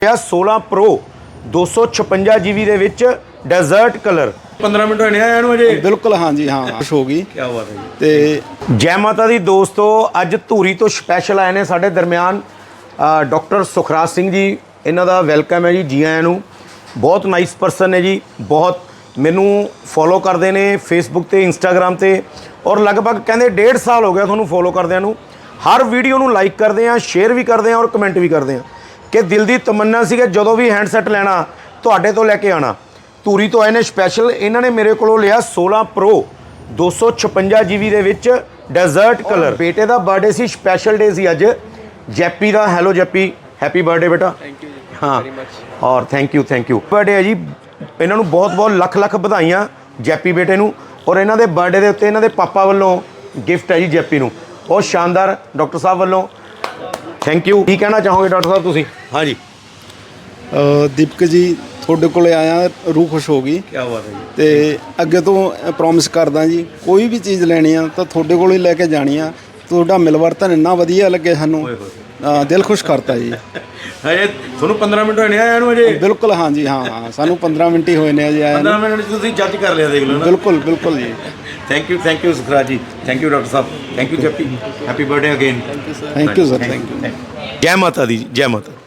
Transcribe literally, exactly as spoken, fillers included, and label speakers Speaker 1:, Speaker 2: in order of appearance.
Speaker 1: सोलह प्रो दो सौ छप्पन जी बी के डेजर्ट कलर पंद्रह मिनट होने आया अजे
Speaker 2: बिल्कुल हाँ जी हाँ खुश हो गई
Speaker 1: क्या बात है
Speaker 2: ते
Speaker 1: जय माता दी दोस्तों अज धूरी तो स्पैशल आए ने साडे दरम्यान डॉक्टर सुखराज सिंह जी इन्हां दा वेलकम है जी जी आयां नूं बहुत नाइस परसन है जी बहुत मैनू फॉलो करते हैं फेसबुक ते इंस्टाग्राम ते और लगभग कहते डेढ़ साल हो गया थोनों फॉलो करदियां नूं हर वीडियो नूं लाइक करते हैं शेयर भी करते हैं और कमेंट भी करते हैं कि दिल की तमन्ना सी कि जदों भी हैंडसैट लैना तुहाडे तो लैके आना धूरी तो आए ने स्पैशल इन्होंने मेरे को लिया सोलह प्रो दो सौ छप्पन जी बी के डेजर्ट कलर बेटे का बर्थडे सी स्पैशल डे सी अज जैपी का हैलो जैपी हैप्पी बर्थडे बेटा
Speaker 3: थैंक यू
Speaker 1: हाँ और thank you thank you birthday है जी इन्हों बहुत बहुत लख लख बधाइयाँ जैपी बेटे नूं और इन्हों के बर्थडे के उत्ते इन्हों के पापा वालों गिफ्ट है जी जैपी नूं बहुत शानदार डॉक्टर साहब वालों थैंक यू की कहना चाहोगे डॉक्टर साहब तुसीं हाँ जी
Speaker 2: दीपक जी ਤੁਹਾਡੇ ਕੋਲੇ ਆਇਆ रूह खुश हो गई
Speaker 1: क्या बात है जी
Speaker 2: ਤੇ ਅੱਗੇ ਤੋਂ ਪ੍ਰੋਮਿਸ ਕਰਦਾ ਜੀ ਕੋਈ ਵੀ ਚੀਜ਼ ਲੈਣੀ ਆ ਤਾਂ ਤੁਹਾਡੇ ਕੋਲ ਹੀ ਲੈ ਕੇ ਜਾਣੀ ਆ ਤੁਹਾਡਾ ਮਿਲਵਰਤਨ ਇੰਨਾ ਵਧੀਆ ਲੱਗੇ ਸਾਨੂੰ ਅ, ਦਿਲ ਖੁਸ਼ ਕਰਤਾ ਜੀ
Speaker 1: ਹਜੇ ਤੁਹਾਨੂੰ ਪੰਦਰਾਂ ਮਿੰਟ ਹੋਏ ਆਇਆ ਨੂੰ ਅਜੇ
Speaker 2: ਬਿਲਕੁਲ ਹਾਂ ਜੀ ਹਾਂ ਹਾਂ ਸਾਨੂੰ ਪੰਦਰਾਂ ਮਿੰਟ ਹੀ ਹੋਏ ਨੇ ਅਜੇ ਆਇਆ
Speaker 1: ਪੰਦਰਾਂ ਮਿੰਟ ਤੁਸੀਂ ਜੱਜ ਕਰ ਲਿਆ ਦੇਖ ਲਓ ਨਾ
Speaker 2: ਬਿਲਕੁਲ ਬਿਲकुल ਜੀ
Speaker 1: thank you thank you Sukhraj ji thank you doctor साहब thank you JP happy birthday again
Speaker 2: thank you sir thank you
Speaker 1: जय माता दी जय माता